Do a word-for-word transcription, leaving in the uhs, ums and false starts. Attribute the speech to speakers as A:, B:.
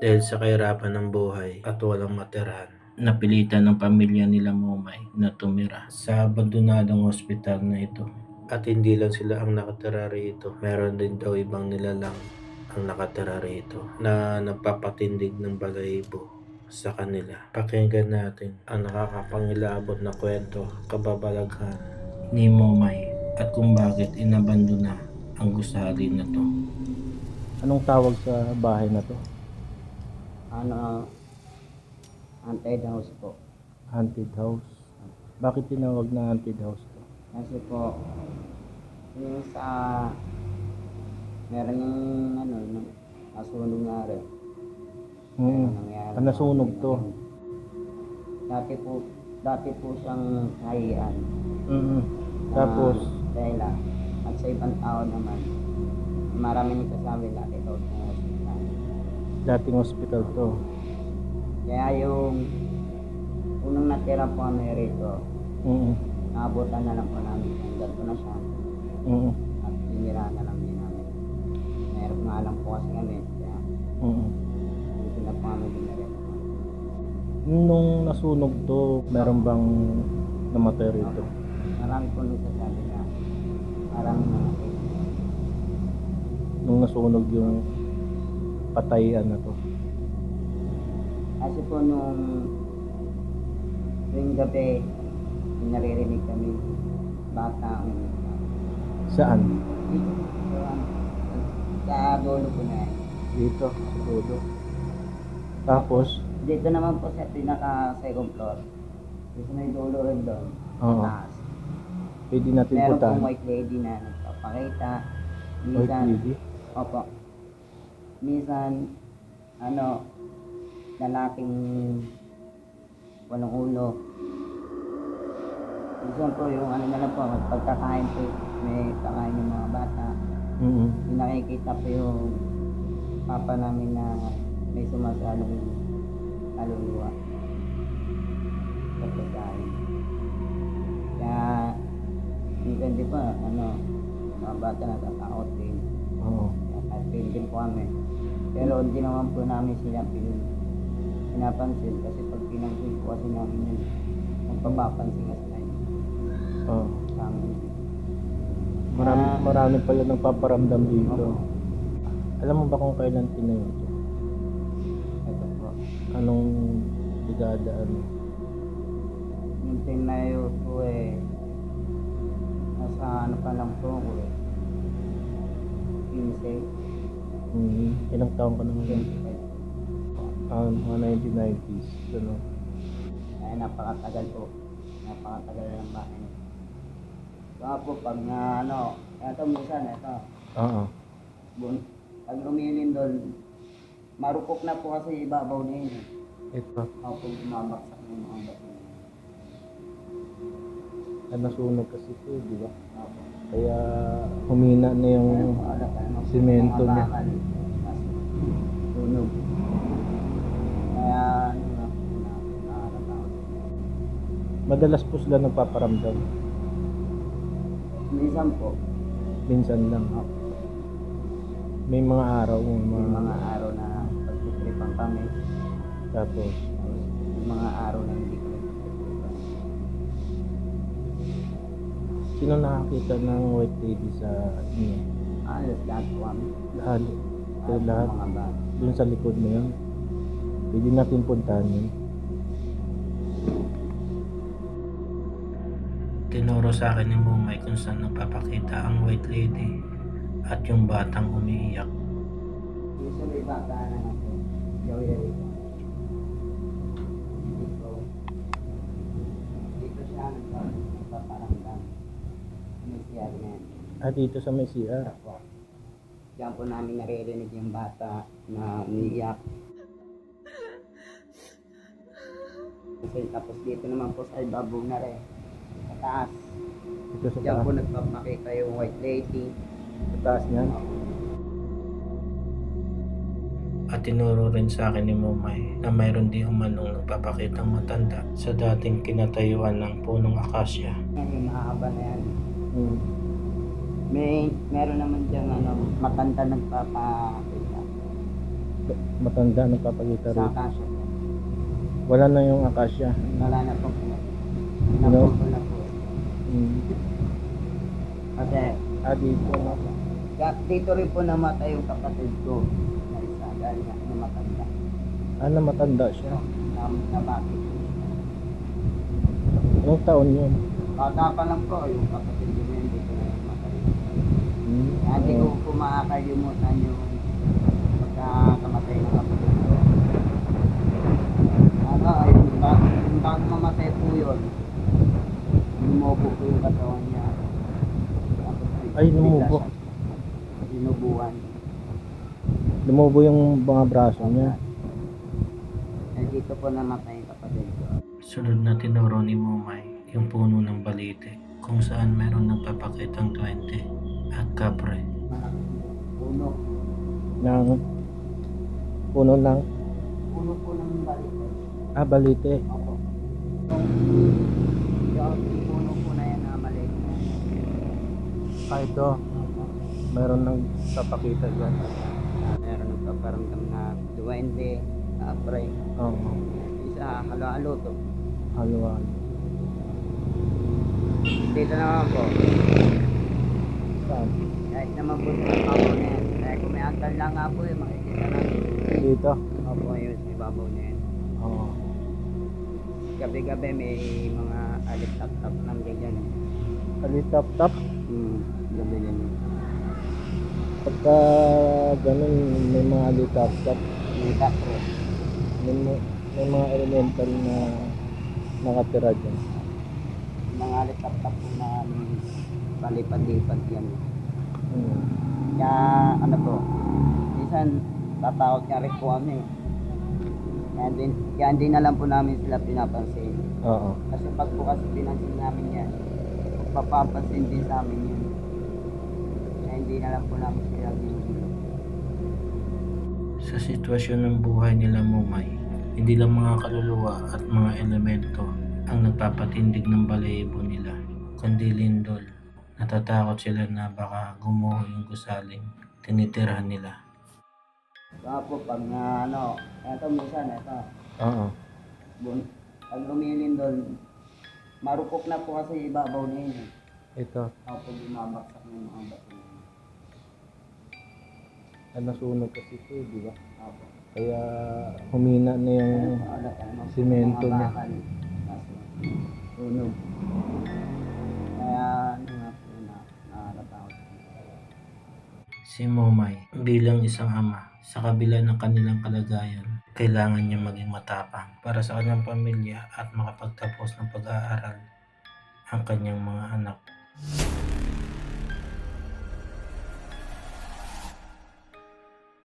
A: Dahil sa kahirapan ng buhay at walang matirahan, napilitan ng pamilya nila Momay na tumira sa abandonadong ospital na ito. At hindi lang sila ang nakatira rito, meron din daw ibang nilalang ang nakatira rito na nagpapatindig ng balahibo sa kanila. Pakinggan natin ang nakakapangilabot na kwento, kababalaghan ni Momay at kung bakit inabandona ang gusali na to.
B: Anong tawag sa bahay na to?
C: Ano, haunted house po.
B: Haunted house. Bakit tinawag na haunted house to?
C: Kasi po, yung sa, meron yung, ano, nung nasunog nga rin.
B: Hmm.
C: Meron nangyari.
B: Ah, nasunog to.
C: Dati po, dati po siyang kahiyan.
B: Mm. Tapos,
C: Ah, dahil ah, at sa ibang tao naman, marami nagsasabi dati daw sa hospital.
B: dating hospital to.
C: Kaya yung unang natira po kami rito,
B: Mm.
C: naabutan na lang po namin. Hanggang ko na siya.
B: Mm.
C: At sinira na lang din namin. Meron nga lang po kasi kami. Kaya
B: Mm.
C: hindi na po kami dinarito.
B: Nung nasunog to, meron bang namatay rito?
C: Marami po nagsasabi na parang namatay.
B: Nung nasunog yung patayan na to.
C: Kasi po nung tuwing gabi, may naririnig kami bata ang umiiyak.
B: Saan?
C: Dito po ano, sa dulo po na yan.
B: Dito, sa dulo. Tapos,
C: Dito naman po sa pinaka second floor. Dito may dulo rin doon.
B: Oo.
C: Taas.
B: pwede natin
C: Meron
B: puntahan.
C: pong white lady na nagpapakita.
B: White
C: Minsan,
B: lady?
C: opo. Minsan, ano, lalaking walang ulo. Minsan po yung ano na lang po, pagkakain po, may kakain yung mga bata.
B: Mm.
C: Yung nakikita po yung papa namin na may sumasalong kaluluwa. Pagkakain. Kaya, minsan di ba, ano, mga bata natatakot din.
B: Oo.
C: At din po kami. Pero hindi naman po namin sila pin- pinapansin kasi pag pinansin po kasi namin yun, magpapapansin kasi tayo
B: Oo.
C: sa amin.
B: Marami,
C: Ah.
B: marami pa yun nagpaparamdam dito.
C: Opo.
B: Alam mo ba kung kailan tinayo ito?
C: Ito po.
B: Anong dekada ano?
C: Yung tinayo po eh, nasa ano pa lang po ako eh. fifteen,
B: Hmm. Ilang taon ka na ngayon?
C: twenty-five.
B: Ah, mga nineteen nineties. Ano?
C: Ay napakatagal po. Napakatagal ng bahay. Saka po pag na ano, ito minsan, ito.
B: Oo.
C: Bun, pag lumilin doon, marupok na po kasi ibabaw na yun. eh.
B: Ito.
C: Ako po bumabaksak ng mga bato.
B: Ah, nasunog kasi ito, di ba?
C: Ako.
B: Kaya humina na yung simento niya.
C: Tunog. Kaya, ano na, nakakatakot.
B: Madalas po sila nagpaparamdam.
C: Minsan po,
B: Minsan lang.
C: ako,
B: May mga araw, may
C: may
B: mga,
C: mga araw na pagtitripan kami.
B: tapos
C: May mga araw na hindi kami pagtitripan.
B: sino nakakita ng white lady sa inyo?
C: Alas lahat po kami.
B: Lahat. Kayo lahat.
C: Mga bata.
B: Doon sa likod na yun. Pwede natin puntahan yun.
A: Tinuro sa akin ni Momay kung saan nagpapakita ang white lady at yung batang umiiyak.
C: Usually bata na ako. Gawin na dito. Dito. Dito siya nagpaparamdam. Ano siya rin.
B: Ah, dito sa may C R.
C: Ako. Diyan po namin naririnig yung bata na umiiyak. Kasi tapos dito naman po sa ibabaw na rin. Sa taas.
B: Dito sa
C: Diyan
B: taas.
C: po nagpapakita yung white lady.
B: Sa taas niyan.
A: At tinuro rin sa akin ni Momay na mayroon di umanong nagpapakitang matanda sa dating kinatayuan ng punong akasya.
C: Yan yung mahaba na yan.
B: Hmm.
C: May, meron naman dyan ano, matanda nagpapakita.
B: Matanda nagpapakita
C: Sa
B: rito.
C: kaso.
B: Wala na yung akasya.
C: Wala na po. Naputol na po.
B: Mm.
C: Kasi
B: Ah, dito na.
C: ka- dito rin po namatay yung kapatid ko na isa dahil nga namatanda.
B: Ah, na matanda siya.
C: Na, na bakit?
B: Anong taon yun?
C: Bata pa lang po yung kapatid ko na yun, dito na namatay.
B: Mm.
C: Kaya hindi ko
B: Oo.
C: po makakalimutan yung pagkakamatay ng kapatid ko. Ano, ayun, bago, bago mamatay po yun, lumubo po yung katawan niya. Tapos,
B: Ay, lumubo.
C: bigla siya Dinubuhan.
B: Lumubo yung mga braso niya.
C: Eh, dito po namatay yung kapatid ko.
A: Sunod na tinuro ni Momay yung puno ng balite kung saan meron nagpapakitang twenty at kapre.
C: Puno.
B: Ng puno ng
C: Puno po ng balik.
B: ah, balite.
C: Opo. Yung, yung puno po na yan na maliit na yan.
B: Ah, ito. Meron nang papakita dyan.
C: Ah, meron nagpaparamdam na duwende, kapre.
B: Oo.
C: Isa, halo-halo to.
B: Halo-halo.
C: Dito naman po.
B: Saan?
C: Kahit naman po sa babaw na yan. Kaya kung may antal lang nga po eh, makikita namin.
B: Dito.
C: Opo, yun, may babaw na yan.
B: Oo.
C: Gabi-gabi may mga alit-tap-tap ng ganyan.
B: Kalitap-tap.
C: Hmm, gabi din.
B: Pagka ganun, may mga litap-tap.
C: May kapre.
B: May, mga- may mga elemental na nakatira dyan.
C: Mga alit-tap-tap po na palipad-lipad yan.
B: Hmm.
C: Kaya ano po, minsan tatawag niya rin po kami. Kaya hindi, kaya hindi na lang po namin sila pinapansin.
B: Oo.
C: Kasi pag po kasi pinansin namin yan, papapansin din sa amin yun. Kaya hindi na lang po namin sila ginugulo.
A: Sa sitwasyon ng buhay nila Momay, hindi lang mga kaluluwa at mga elemento ang nagpapatindig ng balahibo nila, kundi lindol. Natatakot sila na baka gumuho yung gusaling tinitirahan nila.
C: Kaya po pag na ano, eto minsan, eto,
B: Oo.
C: bun, pag lumilin doon, marupok na po kasi ibabaw na yun. eh.
B: Ito.
C: Ako bumabaksak ng mga bato.
B: Ah, nasunog kasi ito, di ba?
C: Ako.
B: Kaya humina na yung simento niya.
C: Tunog. Kaya ano nga po na nakakatakot.
A: Si Momay bilang isang ama, sa kabila ng kanilang kalagayan, kailangan niya maging matapang para sa kanyang pamilya at makapagtapos ng pag-aaral ang kanyang mga anak.